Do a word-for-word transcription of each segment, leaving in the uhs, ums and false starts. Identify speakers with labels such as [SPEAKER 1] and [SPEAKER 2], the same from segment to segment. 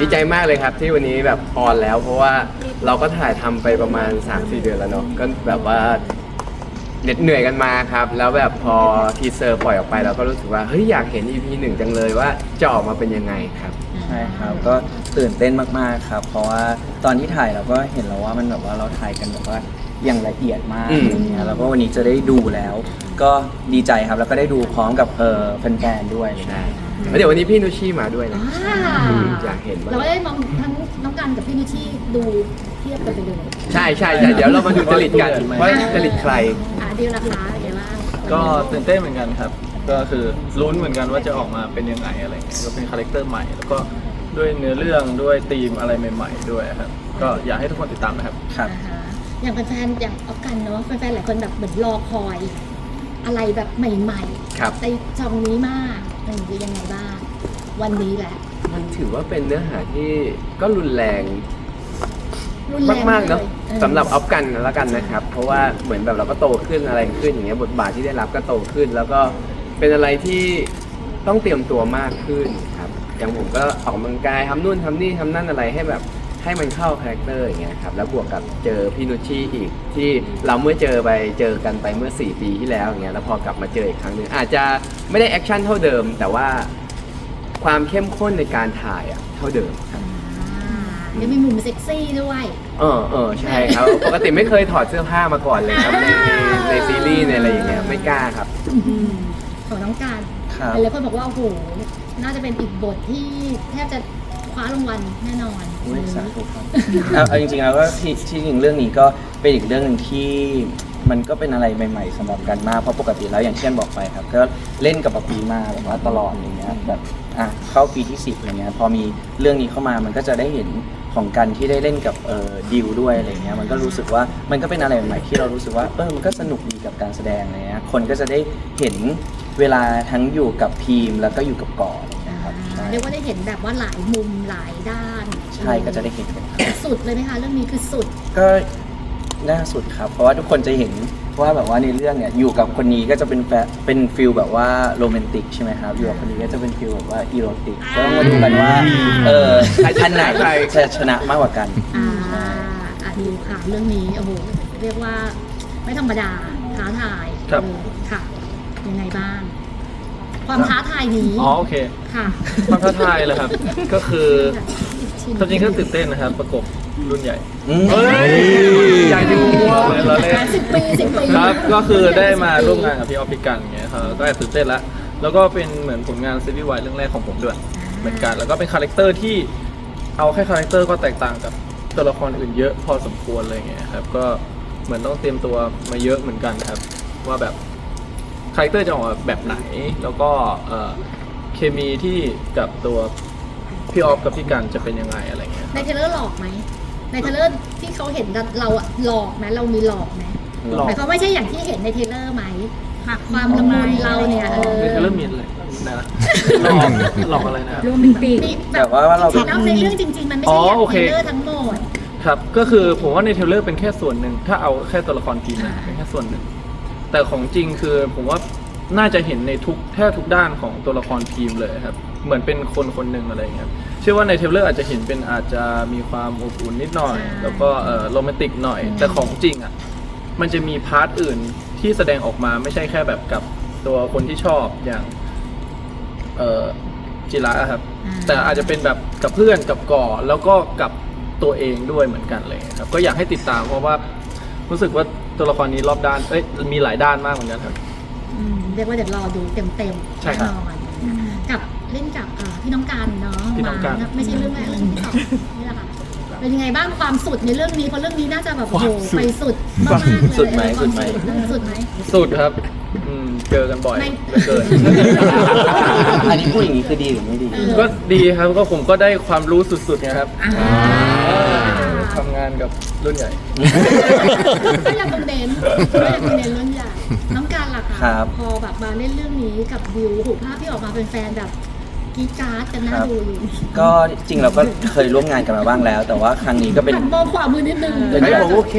[SPEAKER 1] ใจมากเลยครับที่วันนี้แบบออนแล้ว เพราะว่าเราก็ถ่ายทำไปประมาณ สามสี่ เดือนแล้วเนาะก็แบบว่าเหน็ดเหนื่อยกันมาครับ แล้วแบบพอทีเซอร์ปล่อยออกไปเราก็รู้สึกว่าเฮ้ยอยากเห็น อี พี หนึ่งจังเลยว่าจะออกมาเป็นยังไงครับ
[SPEAKER 2] ใช่ครับก็ตื่นเต้นมากๆครับเพราะว่าตอนที่ถ่ายเราก็เห็นแล้วว่ามันแบบว่าเราถ่ายกันแบบว่าอย่างละเอียดมากอะไรเงี้ยแล้วก็วันนี้จะได้ดูแล้ว ก็ดีใจครับแล้วก็ได้ดูพร้อมกับเออแฟนๆด้วย
[SPEAKER 1] ใช่แล้วเดี๋ยววันนี้พี่นุชชี่มาด้วยนะอยากเห็น
[SPEAKER 3] เราได้มองทั้งน้องกันกับพี่นุชชี่ดูเทียบกันไปเลย
[SPEAKER 1] ใช่ใช่ใช่เดี๋ยวเรามาดูจริตกันว่าจริตใคร
[SPEAKER 3] อ่าดีราคาอะไรบ้าง
[SPEAKER 4] ก็ตื่นเต้นเหมือนกันครับก็คือลุ้นเหมือนกันว่าจะออกมาเป็นยังไงอะไรเงี้ยก็เป็นคาแรคเตอร์ใหม่แล้วก็ด้วยเนื้อเรื่องด้วยธีมอะไรใหม่ๆด้วยครับก็อยากให้ทุกคนติดตามนะครับ
[SPEAKER 2] ครับ
[SPEAKER 3] อย่างแฟนๆอย่างออกกันเนาะแฟนๆหลายคนแบบเหมือนรอคอยอะไรแบบใหม่ๆในช่องนี้มากมันคือยังไงบ้างวันนี้แหละ
[SPEAKER 1] มันถือว่าเป็นเนื้อหาที่ก็รุนแรงมากๆเนาะสำหรับออฟกันแล้วกันนะครับเพราะว่าเหมือนแบบเราก็โตขึ้นอะไรขึ้นอย่างเงี้ยบทบาทที่ได้รับก็โตขึ้น แล้วก็เป็นอะไรที่ต้องเตรียมตัวมากขึ้นครับอย่างผมก็ออกกำลังกายทำนู่นทำนี่ทำนั่นอะไรให้แบบให้มันเข้าคาแรคเตอร์อย่างเงี้ยครับแล้วบวกกับเจอพี่นุชชี่อีกที่เราเมื่อเจอไปเจอกันไปเมื่อสี่ปีที่แล้วอย่างเงี้ยแล้วพอกลับมาเจออีกครั้งหนึ่งอาจจะไม่ได้แอคชั่นเท่าเดิมแต่ว่าความเข้มข้นในการถ่ายอ่ะเท่าเดิมครับ
[SPEAKER 3] ยังมีมุมเซ็กซี่ด้วย
[SPEAKER 1] เออเออใช่ครับปกติไม่เคยถอดเสื้อผ้ามาก่อนเลยครับในในซีรีส์ในอะไรอย่างเงี้ยไม่กล้าครับ
[SPEAKER 3] ของน้องการหลายคนบอกว่าโอ้โหน่าจะเป็นอีกบทที่แทบจะคว้ารางวัลแน่นอน
[SPEAKER 2] อุ้ยสาธุครับเอาจริงๆแล้วก็ที่ที่จริงเรื่องนี้ก็เป็นอีกเรื่องหนึ่งที่มันก็เป็นอะไรใหม่ๆสำหรับกันมากเพราะปกติแล้วอย่างเช่นบอกไปครับก็เล่นกับปะปีมาแบบว่าตลอดอย่างเงี้ยแบบอ่ะเข้าปีที่สิบอะไรเงี้ยพอมีเรื่องนี้เข้ามามันก็จะได้เห็นของกันที่ได้เล่นกับเอ่อดิวด้วยอะไรเงี้ยมันก็รู้สึกว่ามันก็เป็นอะไรใหม่ๆที่เรารู้สึกว่าเออมันก็สนุกดีกับการแสดงอะไรเงี้ยคนก็จะได้เห็นเวลาทั้งอยู่กับพีมแล้วก็อยู่กับก่อนะครับ
[SPEAKER 3] เรียกว่าได้เห็นแบบว่าหลายมุมหลายด้าน
[SPEAKER 2] ใช่ก็จะได้เห็น
[SPEAKER 3] สุดเลยไหมคะเรื่องนี้คือสุด
[SPEAKER 2] ก็น่าสุดครับเพราะว่าทุกคนจะเห็นว่าแบบว่าในเรื่องเนี่ยอยู่กับคนนี้ก็จะเป็นแฟเป็นฟิลแบบว่าโรแมนติกใช่ไหมครับอยู่กับคนนี้ก็จะเป็นฟิลแบบว่าอีโรติกก็ต้องมาดูกันว่าเอออันไหนจะชนะมากกว่ากัน
[SPEAKER 3] อ่าอ่ะดูค่ะเรื่องนี้โอ้โหเรียกว่าไม่ธรรมดาท้าทายค่ะยังไงบ้างความท้าทายนี้
[SPEAKER 4] อ๋อโอเค
[SPEAKER 3] ค่ะ
[SPEAKER 4] ความท้าทายเลยครับก็คือจริงๆก็ตื่นเต้นนะครับประกบรุ่นใหญ่
[SPEAKER 1] เฮ้ยใหญ่ที่หัว
[SPEAKER 4] เลยเราเล่น
[SPEAKER 3] สิบปีสิบปี
[SPEAKER 4] ครับก็คือได้มาร่วมงานกับพี่ออฟฟิกันอย่างเงี้ยครับก็แอบตื่นเต้นแล้วแล้วก็เป็นเหมือนผลงานซีรีส์วายเรื่องแรกของผมด้วยเหมือนกันแล้วก็เป็นคาแรคเตอร์ที่เอาแค่คาแรคเตอร์ก็แตกต่างกับตัวละครอื่นเยอะพอสมควรอะไรเงี้ยครับก็เหมือนต้องเตรียมตัวมาเยอะเหมือนกันครับว่าแบบคาแรคเตอร์จะออกมาแบบไหนแล้วก็เคมีที่กับตัวพี่ออฟกับพี่กันจะเป็นยังไงอะไรเงี้ย
[SPEAKER 3] ในเทเลอร์หลอกไหมในเทเลอร์ที่เขาเห็นเราอะหลอกไหมเรามีหลอกไหมหมายความไม่ใช่อย่างที่เห็นในเทเลอร์ไหมความละมุนเราเนี่ยเออ
[SPEAKER 4] ในเทเลอร์มีอะไรนะหลอกหลอกอะไรนะ
[SPEAKER 3] โรแมนติก
[SPEAKER 2] แต่ว่าเรา
[SPEAKER 3] ในเรื่องจริงๆมันไม่ใช่อย่างเทเลอร์ทั้งหมด
[SPEAKER 4] ครับก็คือผมว่าในเทเลอร์เป็นแค่ส่วนหนึ่งถ้าเอาแค่ตัวละครทีมเป็นแค่ส่วนหนึ่งแต่ของจริงคือผมว่าน่าจะเห็นในทุกแทบทุกด้านของตัวละครทีมเลยครับเหมือนเป็นคนคนหนึ่งอะไรเงี้ยเชื่อว่าในเทเลอร์อาจจะเห็นเป็นอาจจะมีความอบอุ่นนิดหน่อยแล้วก็เออโรแมนติกหน่อยแต่ของจริงอ่ะมันจะมีพาร์ทอื่นที่แสดงออกมาไม่ใช่แค่แบบกับตัวคนที่ชอบอย่างเออจิระครับแต่อาจจะเป็นแบบกับเพื่อนกับก่อแล้วก็กับตัวเองด้วยเหมือนกันเลยครับก็อยากให้ติดตามเพราะว่ารู้สึกว่าตัวละครนี้รอบด้านเอ้ยมีหลายด้านมากเหมือนกันครับ
[SPEAKER 3] เรียกว่าเดี๋ยวรอดูเต็มๆ
[SPEAKER 4] แน่
[SPEAKER 3] นอนกับเล่นกับพี่น้องการเนาะ
[SPEAKER 4] พี่น้องการ
[SPEAKER 3] ไม่ใช่เรื่องแรกเรื่องที่สองนี่แหละค่ะเป็นยังไงบ้างความสุดในเรื่องนี้เพราะเรื่องนี้น่าจะแบบโอ้โหไปสุดมากๆเลย
[SPEAKER 2] สุดไหมสุดไหม
[SPEAKER 3] สุดไหม
[SPEAKER 4] สุดครับเจอกันบ่อยเกิน
[SPEAKER 2] อันนี้พูดอย่างนี้คือดีหรือไม่ดี
[SPEAKER 4] ก็ดีครับก็ผมก็ได้ความรู้สุดๆนะครับทำงานกับรุ่นใหญ่
[SPEAKER 3] ก็ยังคงเน้นก็ยังคงเน้นรุ่นใหญ่น้องการล่ะคะพอแบบมาเล่นเรื่องนี้กับดิวหูภาพที่ออกมาเป็นแฟนแบบกีการ์ดกันน่าดูอยู่
[SPEAKER 2] ก็จริงเราก็เคยร่วมงานกันมาบ้างแล้วแต่ว่าครั้งนี้ก็เป็น
[SPEAKER 3] มองขวามือนิดนึง
[SPEAKER 1] ไม่บอกโอเค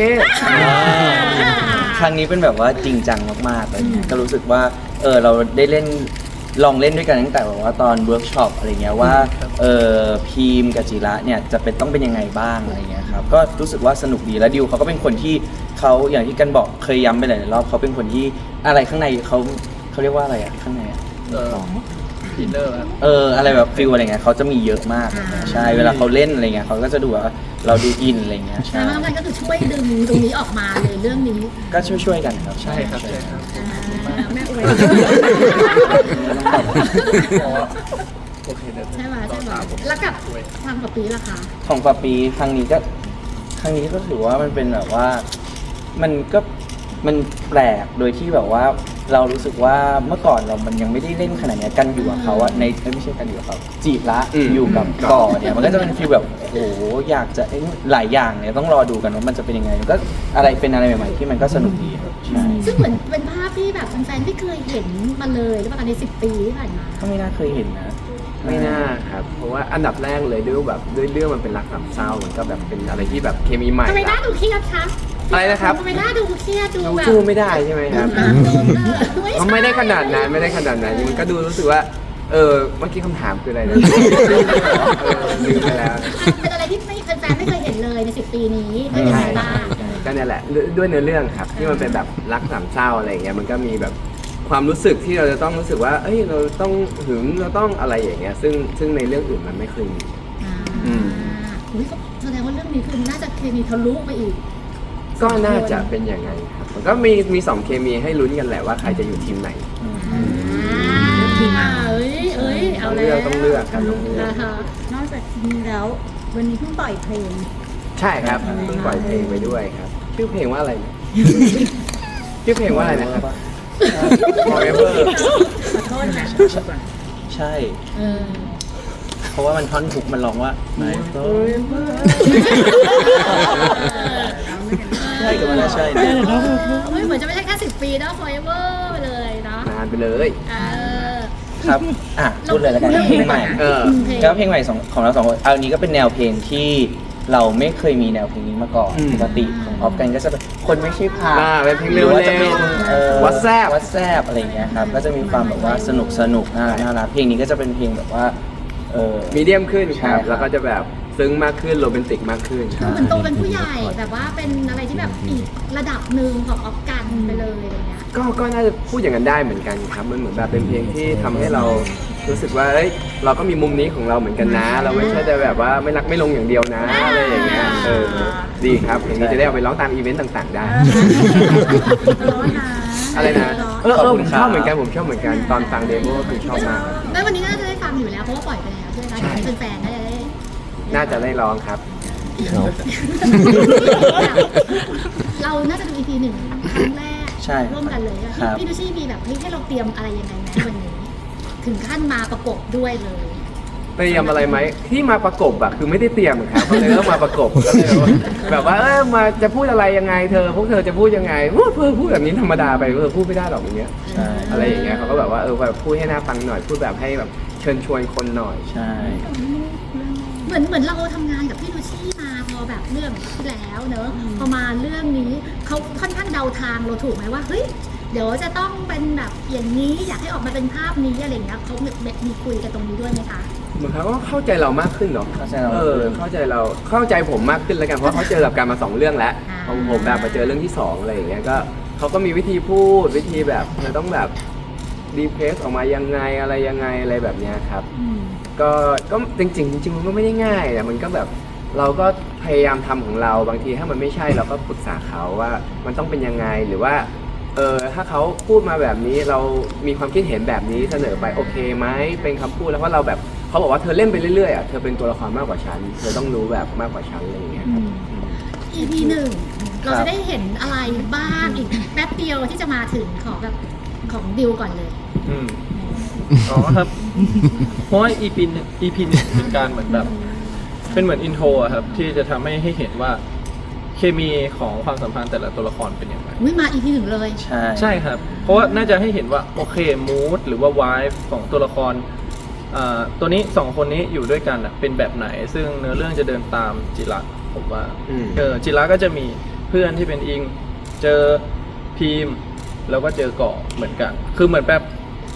[SPEAKER 2] ครั้งนี้เป็นแบบว่าจริงจังมากๆเลยก็รู้สึกว่าเออเราได้เล่นลองเล่นด้วยกันตั้งแต่แบบว่าตอนเวิร์กช็อปอะไรเงี้ยว่าเออพีมกับจิระเนี่ยจะเป็นต้องเป็นยังไงบ้างอะไรเงี้ยครับก็รู้สึกว่าสนุกดีแล้วดิวเขาก็เป็นคนที่เขาอย่างที่กันบอกเคยย้ำไปหลายๆรอบเขาเป็นคนที่อะไรข้างในเขาเขาเรียกว่าอะไรอะข้างในอะ
[SPEAKER 4] เอออินเนอร์ครับ
[SPEAKER 2] เอออะไรแบบฟิลอะไรเงี้ยเขาจะมีเยอะมาก
[SPEAKER 3] อ่า
[SPEAKER 2] ใช่เวลาเขาเล่นอะไรเงี้ยเขาก็จะดูว่าเราดูอินอะไรเงี้ย
[SPEAKER 3] แต่
[SPEAKER 2] ใช่
[SPEAKER 3] ว่ามันก็คือช่วยดึงตรงนี้ออกมาเลยเรื่องนี้
[SPEAKER 2] ก็ช่วยๆกันครับ
[SPEAKER 4] ใช่ครับใช่ครับ
[SPEAKER 3] อ่าแม่อวย
[SPEAKER 4] โอเคเดี๋ยว
[SPEAKER 3] ใช่ไหมใช่ไหมแล้วกับทางกับปีล่ะคะ
[SPEAKER 2] ของปาปีครั้งนี้ก็ครั้งนี้ก็ถือว่ามันเป็นแบบว่ามันก็มันแปลกโดยที่แบบว่าเรารู้สึกว่าเมื่อก่อนเรามันยังไม่ได้เล่นขนาดเนี้ยกันอยู่กับเขาอะในเอ้ยไม่ใช่กันอยู่กับเขาจีบละ
[SPEAKER 1] อืม
[SPEAKER 2] อยู่กับก่อเนี่ยมันก็จะเป็นฟีลแบบโอ้โหอยากจะเอ้ยหลายอย่างเนี่ยต้องรอดูกันว่ามันจะเป็นยังไงมันก็อะไรเป็นอะไรใหม่ๆที่มันก็สนุกดีครับใช่
[SPEAKER 3] ซึ่งเหมือนเป็นภาพที่แบบแฟนๆไม่เคยเห็นมาเลยหรือเปล่าในสิบปีที่ผ่านมา
[SPEAKER 2] ก็ไม่น่าเคยเห็นนะ
[SPEAKER 1] ไม่น่าครับ เพราะว่าอันดับแรกเลยด้วยแบบด้วยเรื่องมันเป็นรักสามเศร้ามันก็แบบเป็นอะไรที่แบบเคมีใหม่
[SPEAKER 3] ทำไมหน้า
[SPEAKER 1] ละ
[SPEAKER 3] ดูเครียดคะ
[SPEAKER 1] อะไรนะครับ
[SPEAKER 3] ทำไมหน้าดูเครียดดู
[SPEAKER 1] ดู
[SPEAKER 3] แบบ
[SPEAKER 1] สู้ไม่ได้ใช่ไหมครับ
[SPEAKER 3] เออ
[SPEAKER 1] มันไม่ได้ขนาดนั้นไม่ได้ขนาดนั้นมันก็ดูรู้สึกว่า เออเมื่อกี้คำถามคืออะไรนะเออลืมไปแล้ว
[SPEAKER 3] เป็นอะไรที่ไม่แฟนๆไม่เคยเห็นเลยในสิบปีนี้เป็นยังไงบ้าง
[SPEAKER 1] ก็เนี่ยแหละด้วยเนื้อเรื่องครับ ที่มันเป็นแบบรักสามเศร้าอะไรอย่างเงี้ยมันก็มีแบบความรู้สึกที่เราจะต้องรู้สึกว่า เอ้ยเราต้องหึงเราต้องอะไรอย่างเงี้ย ซึ่งซึ่งในเรื่องอื่นมันไม่เคยมี
[SPEAKER 3] อ่า
[SPEAKER 1] อืม
[SPEAKER 3] อุ๊ยก็แสดงว่าเรื่องนี้คือน่าจะเคมีทะลุไปอีก
[SPEAKER 1] ก็น่าจะเป็นอย่างไงครับมันก็มีมีสองเคมีให้ลุ้นกันแหละว่าใครจะอยู่ทีมไหน
[SPEAKER 3] อ่าเอ้ยเอ้ย
[SPEAKER 1] ต้
[SPEAKER 3] เอา
[SPEAKER 1] อง
[SPEAKER 3] แล้
[SPEAKER 1] เลือก
[SPEAKER 3] ว
[SPEAKER 1] ต้องเลือกครับต้องเลือก
[SPEAKER 3] นะคะ
[SPEAKER 5] นอกจากนี้แล้ววันนี้เพิ่งปล่อยเพลง
[SPEAKER 1] ใช่ครับเพิ่งปล่อยเพลงไปด้วยครับชื่อเพลงว่าอะไรนะชื่อเพลงว่าอะไรนะครับ Forever
[SPEAKER 5] ขอโทษนะ
[SPEAKER 2] ใช่
[SPEAKER 3] เออ
[SPEAKER 2] เพราะว่ามันท่อนทุกมันร้องว่าไม่ก็ใช่กับมันนะใช่นะ
[SPEAKER 3] เฮ้ยเหมือนจะไม่ใช่แค่สิบปีเนาะ forever ไปเลยเนาะ
[SPEAKER 1] นานไปเลย
[SPEAKER 3] เออ
[SPEAKER 2] ครับอ่ะพูดเลยแล้วกันเพลงใหม่
[SPEAKER 1] เออ
[SPEAKER 3] เพลง
[SPEAKER 2] แล้วเพลงใหม่สองของเราสองคนเอาอันนี้ก็เป็นแนวเพลงที่เราไม่เคยมีแนวเพลงนี้มาก่อน
[SPEAKER 1] อืม
[SPEAKER 2] ปกติของออฟกันก็จะเป็นคนไม่ใช่พา
[SPEAKER 1] อ่าเป็นเพลง
[SPEAKER 2] ห
[SPEAKER 1] เร็
[SPEAKER 2] รื
[SPEAKER 1] ว
[SPEAKER 2] อว่าจะเป็น
[SPEAKER 1] ๆ
[SPEAKER 2] เอ่อ
[SPEAKER 1] WhatsApp
[SPEAKER 2] วัดแซบอะไรอย่างเงี้ยครับก็จะมีความแบบว่าสนุกสนุกน่ารักน่ารักเพลงนี้ก็จะเป็นเพลงแบบว่าเออ
[SPEAKER 1] มีเดียมขึ้นค
[SPEAKER 2] ใช่
[SPEAKER 1] รับ
[SPEAKER 2] ครับ
[SPEAKER 1] แล้วก็จะแบบซึ้งมากขึ้นโรแมนติกมากขึ้น
[SPEAKER 3] คือเหมือนโตเป็นผู้ใหญ่แบบว่าเป็นอะไรที่แบบอีกระดับหนึ่งของออฟกันไปเลยอะไรเงี้ย
[SPEAKER 1] ก็ก็น่าจะพูดอย่างนั้นได้เหมือนกันครับ มันเหมือนแบบเป็นเพลงที่ทำให้เรารู้สึกว่าเอ้ยเราก็มีมุมนี้ของเราเหมือนกันนะ เราไม่ใช่แต่แบบว่าไม่รักไม่ลงอย่างเดียวนะอะไรอย่างเงี้ยเออดีครับเพลงนี้จะได้เอาไปร้องตามอีเวนต์ต่างๆได้
[SPEAKER 5] ร้อนนะ
[SPEAKER 1] อะไรนะเออเออผมชอบเหมือนกันผมชอบเหมือนกันตอนฟังเดโมก็คือชอบมากครับ
[SPEAKER 3] แล้ววันนี้น่าจะได้ฟังอยู่แล้วเพราะว่าปล่อยไปแล้วใช่ไหมคะ
[SPEAKER 1] ใช่
[SPEAKER 3] เป็นแฟนๆน่าจะได้
[SPEAKER 1] น่าจะได้ร้องครับ
[SPEAKER 3] เราน่าจะดู อี พี หนึ่งครั้งแรก
[SPEAKER 2] ใช่
[SPEAKER 3] ร่วมกันเลยอะ
[SPEAKER 2] ครับ
[SPEAKER 3] พี่ดูชี่มีแบบเฮ้ยให้เราเตรียมอะไรยังไงไหมวันนี้ ถึงขั้นมาประกบด้วยเลย
[SPEAKER 1] เตรียมอะไรไหมที่มาประกบอะคือไม่ได้เตรียมครับเขาเลยต้องมาประกบก็เลยว่าแบบว่าเออมาจะพูดอะไรยังไงเธอ พวกเธอจะพูดยังไงโอ้เธอพูดแบบนี้ธรรมดาไปเธอพูดไม่ได้หรอกอย่างเงี้ย
[SPEAKER 2] ใช่
[SPEAKER 1] อะไรอย่างเงี้ยเขาก็แบบว่าเออแบบพูดให้น่าฟังหน่อยพูดแบบให้แบบเชิญชวนคนหน่อย
[SPEAKER 2] ใช่
[SPEAKER 3] เหมือนเหมือนเราทำงานกับพี่ดูชี่มาพอแบบเรื่องที่แล้วเนอะพอมาเรื่องนี้เขาค่อนข้างเดาทางเราถูกไหมว่าเฮ้ยเดี๋ยวจะต้องเป็นแบบอย่างนี้อยากให้ออกมาเป็นภาพนี้อะไรอย่างเงี้ยเขามีมีคุยกันตรงนี้ด้วยไหมคะ
[SPEAKER 1] เหมือนเขาก็เข้าใจเรามากขึ้นเนาะ
[SPEAKER 2] เข้าใจเรา
[SPEAKER 1] เออเข้าใจเราเข้าใจผมมากขึ้นแล้วกันเพราะเขาเจอกับการมาสองเรื่องแล้ว
[SPEAKER 3] อ่า
[SPEAKER 1] พอผมแบบมาเจอเรื่องที่สองอะไรอย่างเงี้ยก็เขาก็มีวิธีพูดวิธีแบบมันต้องแบบดีเพรสออกมายังไงอะไรยังไงอะไรแบบเนี้ยครับ
[SPEAKER 3] อืม
[SPEAKER 1] ก็ก็จริงๆจริงๆมันก็ไม่ได้ง่ายแต่มันก็แบบเราก็พยายามทำของเราบางทีถ้ามันไม่ใช่เราก็ปรึกษาเขาว่ามันต้องเป็นยังไงหรือว่าเออถ้าเขาพูดมาแบบนี้เรามีความคิดเห็นแบบนี้เสนอไปโอเคไหมเป็นคำพูดแล้วเพราะเราแบบเขาบอกว่าเธอเล่นไปเรื่อยๆอ่ะเธอเป็นตัวละครมากกว่าฉันเธอต้องรู้แบบมากกว่าฉันอะไรอย่างเงี้ยครับ
[SPEAKER 3] อี พี หนึ่งเราจะได้เห็นอะไรบ้างอีกแป๊บเดียวที่จะมาถึงของแบบของดิวก่อนเลย
[SPEAKER 4] อืมอ๋อครับ เพราะว่า อี พี หนึ่ง อี พี หนึ่งเป็นการเหมือนแบบ เป็นเหมือนอินโทรอะครับ ที่จะทำให้ให้เห็นว่าเคมีของความสัมพันธ์แต่ละตัวละครเป็นยังไง
[SPEAKER 3] อุ้ยมา อี พี หนึ่งเลย
[SPEAKER 2] ใช่
[SPEAKER 4] ใช่ครับ เพราะว่าน่าจะให้เห็นว่าโอเคมูดหรือว่าวายของตัวละครอ่าตัวนี้สองคนนี้อยู่ด้วยกันอะเป็นแบบไหน ซึ่งเนื้อเรื่องจะเดินตามจิระผมว่า
[SPEAKER 1] อืม
[SPEAKER 4] เออจิระก็จะมีเพื่อนที่เป็นอิง เจอพีมแล้วก็เจอเกาะเหมือนกัน คือเหมือนแบบ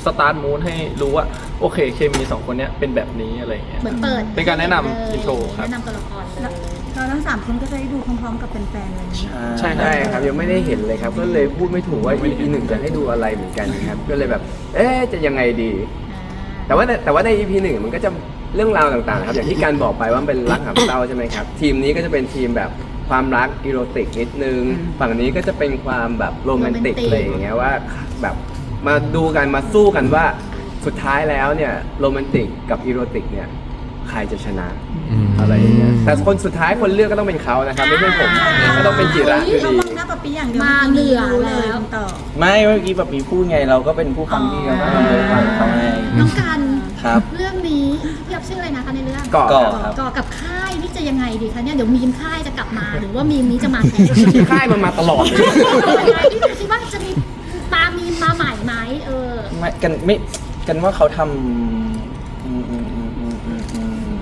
[SPEAKER 4] สตาร์ทมูดให้รู้ว่าโอเคเคมีสองคนเนี้ยเป็นแบบนี้อะไรอย่างเงี้ย
[SPEAKER 3] เหมือนเปิด
[SPEAKER 4] เป็นการแนะนำ
[SPEAKER 3] เลย
[SPEAKER 4] อินโทรครับ
[SPEAKER 3] แนะนำตัวละครเลย
[SPEAKER 5] เราทั้งสามคนก็จะได้ดูพร้อมๆกับแฟนๆเลยนะ
[SPEAKER 4] ใช่
[SPEAKER 1] ใช่ครับยังไม่ได้เห็นเลยครับ ก็เลยพูดไม่ถูกว่า อี พี หนึ่งจะให้ดูอะไรเหมือนกันครับ ก็เลยแบบ เอ๊ะจะยังไงดี แต่ว่าในแต่ว่าใน อี พี หนึ่งมันก็จะเรื่องราวต่างๆครับอย่างที่การบอกไปว่ามันเป็นรักหามเศร้าใช่ไหมครับ ทีมนี้ก็จะเป็นทีมแบบความรักอีโรติกนิดนึง ฝั่งนี้ก็จะเป็นความแบบโรแมนติก
[SPEAKER 3] โรแมนติก
[SPEAKER 1] อะไรอย่างเงี้ยว่าแบบมาดูกันมาสู้กันว่าสุดท้ายแล้วเนี่ยโรแมนติกกับอีโรติกเนี่ยใครจะชนะอะไรอย่างเงี้ยแต่คนสุดท้ายคนเลือกก็ต้องเป็นเขานะครับไม่ใช่ผมก็ต้องเป็นจิระอยู่
[SPEAKER 5] เขา
[SPEAKER 1] ดี
[SPEAKER 5] มองหน้าปะปีอย่างเดียว
[SPEAKER 3] มาเหนือ
[SPEAKER 5] รู้เลย
[SPEAKER 3] แล้ว
[SPEAKER 5] ต่อ
[SPEAKER 2] ไม่เมื่อกี้แบบมีพูดไงเราก็เป็นผู้ฟังที่เราก็ต้องฟังเขาไง
[SPEAKER 3] น้องกัน
[SPEAKER 2] ครับ
[SPEAKER 3] เรื่องนี้พี่อ๊อฟชื่ออะไรนะคะในเรื่อง
[SPEAKER 1] เกาะ
[SPEAKER 2] เกาะ ครับ
[SPEAKER 3] ก่อกับค่ายนี่จะยังไงดีคะเนี่ยเดี๋ยวมีมค่ายจะกลับมาหรือว่ามีมนี้จะมาแทน
[SPEAKER 1] ค่ายมันมาตลอดเลย
[SPEAKER 3] พี่คิดว่าจะมีตามมีมมาใหม่ไหมเออ
[SPEAKER 2] ไม่กันไม่กันว่าเขาทำอืมอืมอืมอืมอืมอืม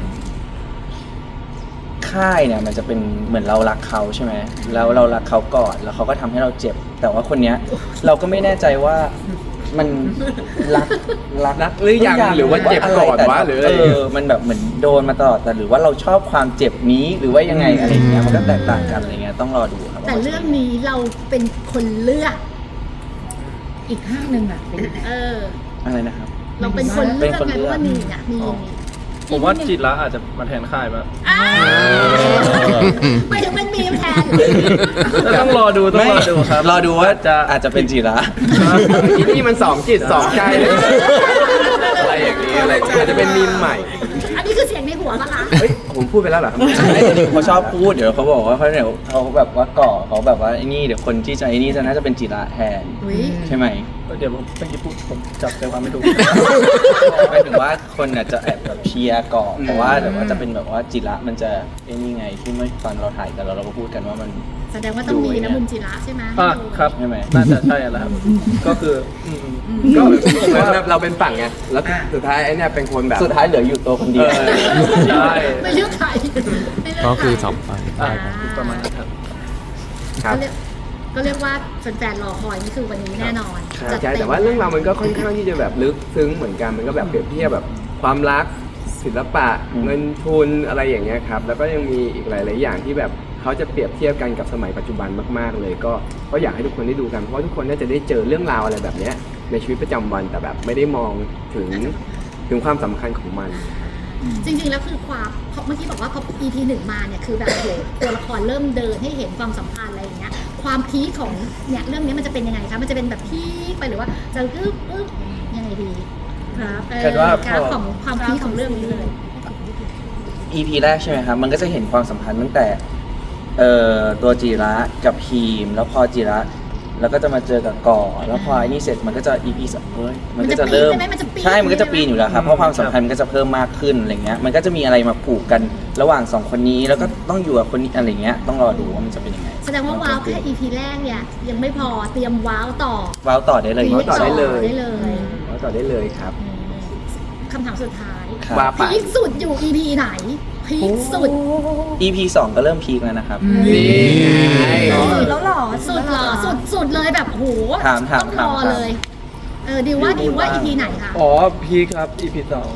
[SPEAKER 2] ค่ายเนี่ยมันจะเป็นเหมือนเรารักเขาใช่ไหมแล้วเรารักเขาก่อนแล้วเขาก็ทำให้เราเจ็บ แต่ว่าคนเนี้ย เราก็ไม่แน่ใจว่ามันรักรัก
[SPEAKER 1] รักหรือยังหรือว่าเจ็บก่อนวะหรืออะไร
[SPEAKER 2] เออมันแบบเหมือนโดนมาตลอดแต่หรือว่าเราชอบความเจ็บนี้หรือว่ายังไงอะไรอย่างเงี้ยมันก็แตกต่างกันอะไรเงี้ยต้องรอดูครับ
[SPEAKER 3] แต่เรื่องนี้เราเป็นคนเลือก
[SPEAKER 5] อีกข้างหนึ่งอ่ะเป็น
[SPEAKER 3] เออ
[SPEAKER 2] อะไรนะครับ
[SPEAKER 3] เราเป็นคนเลือก
[SPEAKER 2] เป็นคน
[SPEAKER 3] ไง
[SPEAKER 2] เลื
[SPEAKER 3] เพ
[SPEAKER 2] อก
[SPEAKER 3] ราะว่ามีเนี่ยมี
[SPEAKER 4] อ๋อ ผมว่าจิตละอาจจะมาแทนค่ายแบบ
[SPEAKER 3] อ้าวไม่ถึงเป็นมีมแทน
[SPEAKER 4] แล้วต้องรอดูต้องรอดูครับ
[SPEAKER 2] รอดูว่า
[SPEAKER 4] จะ
[SPEAKER 2] อาจจะเป็นจีระ
[SPEAKER 1] ทีนี่มันสองจิตสองใจเลยอะไรอย่างนี้อะไรอาจจะเป็นมีมใหม่
[SPEAKER 3] อันนี้คือเสียงในหัวปะคะ
[SPEAKER 1] เฮ้ยผมพูดไปแล้วเหรอครับ
[SPEAKER 2] ไอ้นี่เขาชอบพูดเดี๋ยวเขาบอกว่าเขาเดี๋ยวเขาแบบว่าก่อเขาแบบว่าไอ้นี่เดี๋ยวคนที่จะไอ้นี่จะน่าจะเป็นจีระแทน
[SPEAKER 3] อุ๊ย
[SPEAKER 2] ใช่ไหม
[SPEAKER 4] เดี๋ยวผมเมื่อกี้พูดผมจับใจความไม่ถูก
[SPEAKER 2] หมายถึงว่าคนอาจจะแอบแบบเชียร์ก่อน
[SPEAKER 1] อืม
[SPEAKER 2] แต่ว่าแต่ว่าจะเป็นแบบว่าจีระมันจะไอ้นี่ไงที่เมื่อตอนเราถ่ายกันเราเราก็พูดกันว่ามัน
[SPEAKER 3] แสดงว่าต้องมีนะมุมจิระใช่ไหม
[SPEAKER 4] อ่ะครับ
[SPEAKER 2] ใช่ไหม
[SPEAKER 4] น่าจะใช่แล้วครับ ก็คืออืม
[SPEAKER 1] ก็เหมือนแบบเราเป็นฝั่งไงแล้วสุดท้ายไอ้เนี่ยเป็นคนแบบ
[SPEAKER 2] สุดท้ายเหลืออยู่ตัวคนเดียว
[SPEAKER 1] เออ
[SPEAKER 4] ใช่
[SPEAKER 3] ไม่เลือกใครไม่เลือกใร
[SPEAKER 6] ก็คือสองฝ่าย
[SPEAKER 4] อ่ะประมาณนั้นครับ
[SPEAKER 1] ครับ
[SPEAKER 3] ก็เรียกก็เรียกว่าแฟนๆรอคอยนี่คือวันนี้แน่นอน
[SPEAKER 1] ใช่
[SPEAKER 3] จัด
[SPEAKER 1] ใช่
[SPEAKER 3] เม
[SPEAKER 1] แต่ว่าเรื่องราวมันก็ค่อนข้างที่จะแบบลึกซึ้งเหมือนกันมันก็แบบเปรียบเทียบแบบความรักศิลปะ
[SPEAKER 2] อืม
[SPEAKER 1] เงินทุนอะไรอย่างเงี้ยครับแล้วก็ยังมีอีกหลาย ๆ อย่างที่แบบเขาจะเปรียบเทียบกันกับสมัยปัจจุบันมาก ๆ เลย ก็ก็อยากให้ทุกคนได้ดูกันเพราะว่าทุกคนน่าจะได้เจอเรื่องราวอะไรแบบเนี้ยในชีวิตประจำวันแต่แบบไม่ได้มองถึงถึงความสำคัญของมัน
[SPEAKER 3] จริงๆแล้วคือความเพราะเมื่อกี้บอกว่าพอ อี พี หนึ่งมาเนี่ยคือแบบโหตัวละครเริ่มเดินให้เห็นความสัมพันธ์อะไรอย่างเงี้ยความพีคของเนี่ยเรื่องนี้มันจะเป็นยังไงคะมันจะเป็นแบบพีคไปหรือว่าจะอึ๊บอึ๊บยังไงดีครับเออ
[SPEAKER 2] คิดว่าพอ
[SPEAKER 3] กราฟของความพีคของเรื่องนี้เลย
[SPEAKER 2] อี พี แรกใช่ไหมครับ มันก็จะเห็นความสัมพันธ์ตั้งแต่เอ่อตัวจีระกับพีม แล้วพอจีระแล้วก็จะมาเจอกับก่อ แล้วพอไอ้นี่เสร็จมันก็จะ อี พี สองเฮ้ยมันก็จะเริ่ม
[SPEAKER 3] มันจะปีนใช่ไหมมันจะปีน
[SPEAKER 2] ใช่มันก็จะปีนอยู่แล้วครับ เพราะความสัมพันธ์มันก็จะเพิ่มมากขึ้นอะไรเงี้ย มันก็จะมีอะไรมาผูกกันระหว่างสองคนนี้ แล้วก็ต้องอยู่กับคนนี้อะไรเงี้ย ต้องรอดูว่ามันจะเป็นยังไง
[SPEAKER 3] แสดงว่าว้าวแค่ อี พี แรกเนี่ยยังไม่พอเตรียมว้าวต่อ
[SPEAKER 2] ว้าวต่อได้เลย
[SPEAKER 1] ว้าวต่อได้เลย
[SPEAKER 3] ได้เลย
[SPEAKER 1] แล้วต่อได้เลยครับ
[SPEAKER 3] อืมคำถามสุดท้าย
[SPEAKER 2] ครับ
[SPEAKER 1] ว่าไป
[SPEAKER 3] พีคสุดอยู่ อี พี ไหนพีคสุด
[SPEAKER 2] อี พี สองก็เริ่มพีคแล้วนะครับ
[SPEAKER 1] นี่ไง
[SPEAKER 5] สุดแล้วเหรอ
[SPEAKER 3] สุดเหรอสุดสุดเลยแบบโห
[SPEAKER 2] ถามถาม
[SPEAKER 3] ต้องรอ
[SPEAKER 2] ถาม
[SPEAKER 3] เลย เออดิวว่าดิวว่า อี พี ไหนคะ
[SPEAKER 4] อ๋อพีคครับ อี พี สอง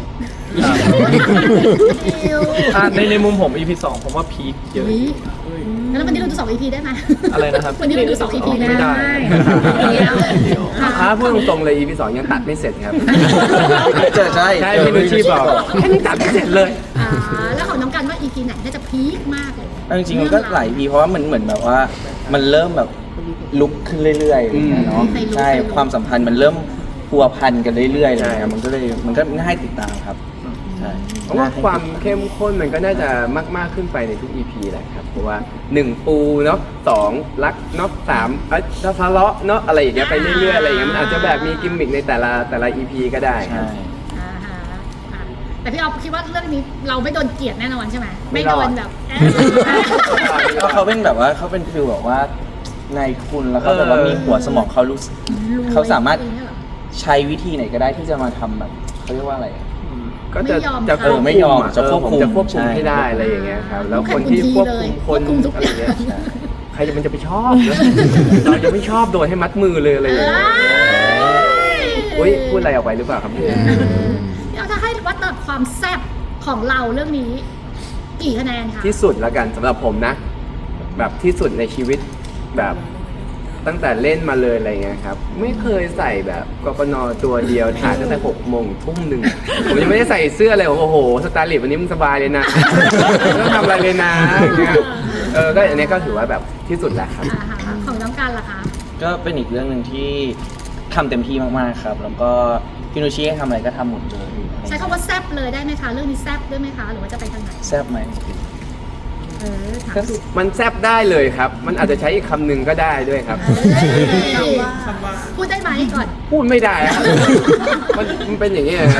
[SPEAKER 3] ดิว
[SPEAKER 4] อ่ะในในมุมผม อี พี สองผมว่าพีคเยอะ
[SPEAKER 3] อุ๊ยแล้ววันนี้เราดูสอง อี พี ได้ไหม
[SPEAKER 4] อะไรนะครับ
[SPEAKER 3] วันนี้เราดูสอง อี พี ได้
[SPEAKER 4] ไม่ได้
[SPEAKER 3] ค่ะ
[SPEAKER 1] ถ้าพูดตรงๆเลย อี พี สองยังตัดไม่เสร็จครับ
[SPEAKER 2] ใช่ใช่
[SPEAKER 1] ใช่พี่นุชชีบอกแค่นี้ตัดไม่เสร็จเลย
[SPEAKER 3] อ่าแล้วของน้องกันว่า อี พี ไหนน่าจะพีคมากเลย
[SPEAKER 2] เอาจริงๆมันก็หลาย พีเพราะว่ามันเหมือนแบบว่ามันเริ่มแบบลุกขึ้นเรื่อยๆอะไรอย่างเงี้ยเนาะ
[SPEAKER 3] อืม
[SPEAKER 2] ใช่ความสัมพันธ์มันเริ่มพัวพันกันเรื่อยๆเลย
[SPEAKER 1] ใช่
[SPEAKER 2] นะมันก็เลยมันก็ง่ายติดตามครับใช่
[SPEAKER 1] เพราะว่าความเข้มข้นมันก็น่าจะมากมากๆขึ้นไปในทุก อี พี แหละครับเพราะว่าหนึ่งปูเนาะสองรักเนาะสามเอ้ยทะเลาะเนาะอะไรอย่างเงี้ยไปเรื่อยๆอะไรอย่างเงี้ยมันอาจจะแบบมีกิมมิคในแต่ละแต่ละ อี พี ก็ได้ค
[SPEAKER 2] ใช่
[SPEAKER 1] รับ
[SPEAKER 3] อ่าฮะอ่ะแต่พี่ออฟคิดว่าเรื่องนี้เราไม่โดนเกลียดแน่นอนใช่ไหม
[SPEAKER 1] ไม่
[SPEAKER 3] ไม่
[SPEAKER 1] ร
[SPEAKER 3] โด
[SPEAKER 1] อด
[SPEAKER 3] นแบบเอ๊ะ
[SPEAKER 2] เพราะเขาเป็นแบบว่าเขาเป็นฟิลแบบว่านายคุณแล้วเขาแบบว่ามีหัวสมองเขารู้สึก เขาสามารถ ใช้วิธีไหนก็ได้ที่จะมาทำแบบเขาเรียกว่าอะไรอะ
[SPEAKER 1] ก็จะ
[SPEAKER 3] ไม่ยอม
[SPEAKER 1] จะ
[SPEAKER 3] ค่ะ
[SPEAKER 1] ควบ
[SPEAKER 2] ไม่
[SPEAKER 1] คุ
[SPEAKER 2] ยอ
[SPEAKER 1] ม
[SPEAKER 2] ม
[SPEAKER 1] อะ
[SPEAKER 2] จะควบคุม
[SPEAKER 1] เออผมจะควบคุม
[SPEAKER 2] ใช่
[SPEAKER 1] ให้ได้อะไรอย่างเงี้ยครับแล้วคนที่ควบคุมคน
[SPEAKER 3] ควบคุมทุก
[SPEAKER 1] อะไร
[SPEAKER 3] อย่าง
[SPEAKER 1] เงี้ยใครจะมันจะไปชอบเนอะเราจะไม่ชอบโดนให้มัดมือเลยอะไรอย่างเงี้ย
[SPEAKER 3] เอ้ย
[SPEAKER 1] อุ้ยพูดอะไรออกไปหรือเปล่าครับเนี่ย
[SPEAKER 3] เดี๋ยวถ้าให้วัดระดับความแซ่บของเราเรื่องนี้กี่คะแนนคะ
[SPEAKER 1] ที่สุดแล้วกันสำหรับผมนะ แบบที่สุดในชีวิตแบบตั้งแต่เล่นมาเลยอะไรเงี้ยครับไม่เคยใส่แบบกกนตัวเดียวถ่ายตั้งแต่หกโมงทุ่มหนึ่งผมยังไม่ได้ใส่เสื้อเลยผมโอ้โหสไตล์ลิสต์วันนี้มึงสบายเลยนะไม่ต้องทำอะไรเลยนะอย่างเงี้ยเออก็อันนี้ก็ถือว่าแบบที่สุดแล้วครับ
[SPEAKER 3] อ่าฮะของน้องกันล่ะคะ
[SPEAKER 2] ก็เป็นอีกเรื่องหนึ่งที่ทำเต็มที่มากๆครับ แล้วก็พี่นุชชี่ให้ทำอะไรก็ทำหมดเลย
[SPEAKER 3] ใช้คำว่าแซ่บเลยได้ไหมคะเรื่องนี้แซ่บด้วยไหมคะหรือว่าจะไปทางไหน
[SPEAKER 2] แซ่บไหม
[SPEAKER 3] เออถามถูก
[SPEAKER 1] มันแซบได้เลยครับ มันอาจจะใช้อีกคำหนึ่งก็ได้ด้วยครับ
[SPEAKER 3] เอ้ยพูดได้ไหมก่อน
[SPEAKER 1] พูดไม่ได้ครับ มันมันเป็นอย่างนี้ยครับ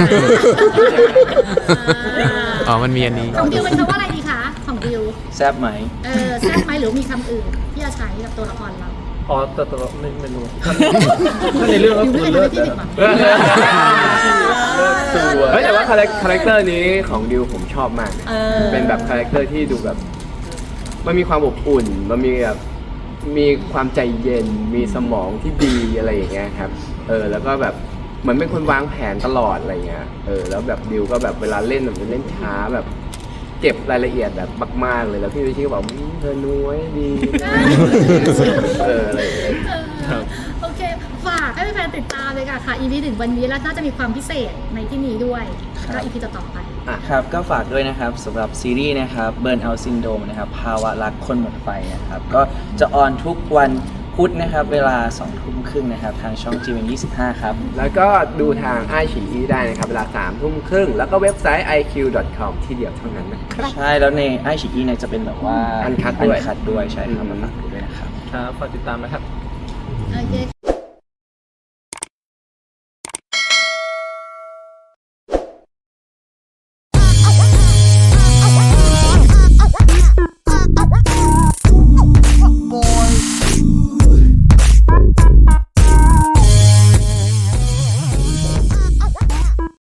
[SPEAKER 6] อ๋อ มันมีอันนี้
[SPEAKER 3] ของดิวเป็นคำว่าอะไรดีคะของดิว
[SPEAKER 2] แซ่บไหม
[SPEAKER 3] เออแซ่บไหมหรือมีคำอื่นที่จะใช้กับตัวละครเรา
[SPEAKER 4] อ๋อแต่แต่ว่าไม่ไม่รู้ ถ้าในเรื่องก็
[SPEAKER 3] ดิว
[SPEAKER 4] คือ
[SPEAKER 3] ไม่เคย
[SPEAKER 4] เลิ
[SPEAKER 3] ทำ
[SPEAKER 4] ศ
[SPEAKER 3] ให้พี่ผิดหวัง
[SPEAKER 1] เฮ้ยแต่ว่าคาแรคคาแรคเตอร์นี้ของดิวผมชอบมาก
[SPEAKER 5] เออ
[SPEAKER 1] เป็นแบบคาแรคเตอร์ที่ดูแบบ มันมีความอบอุ่น มันมีแบบมีความใจเย็น มีสมองที่ดีอะไรอย่างเงี้ยครับ เออ แล้วก็แบบเหมือนเป็นคนวางแผนตลอดอะไรเงี้ย เออ แล้วแบบดิวก็แบบเวลาเล่นแบบเล่นช้าแบบ เก็บรายละเอียดแบบมากๆเลย แล้วพี่วิชิก็บอกอืมเธอน้อยดี เอออะไรอย่างเงี้ย
[SPEAKER 3] เออโอเค ฝากให้แฟนๆติดตามเลยค่ะค่ะ อี พี หนึ่งวันนี้แล้วน่าจะมีความพิเศษในที่นี้ด้วย
[SPEAKER 2] ครับ
[SPEAKER 3] ก็ อี พี ต่อๆไป
[SPEAKER 2] ครับก็ฝากด้วยนะครับสำหรับซีรีส์นะครับ Burn Out Syndrome นะครับภาวะรักคนหมดไฟนะครับ ก็จะออนทุกวันพุธนะครับ เวลาสองทุ่มครึ่งนะครับ ทางช่อง จี เอ็ม ยี่สิบห้า ครับ
[SPEAKER 1] แล้วก็ดูทางไอฉีอีได้นะครับ เวลาสามทุ่มครึ่งแล้วก็เว็บไซต์ ไอ คิว ดอท คอม ที่เดียวเท่านั้นนะครับ
[SPEAKER 2] ใช่แล้วในไอชีอีเนี่ยจะเป็นแบบว่า
[SPEAKER 1] Uncut ด้วย
[SPEAKER 2] Uncut ด้วยใช่ครับมาฝากด้วยนะครับ
[SPEAKER 4] ครับฝากติดตามนะครับ
[SPEAKER 3] โอเค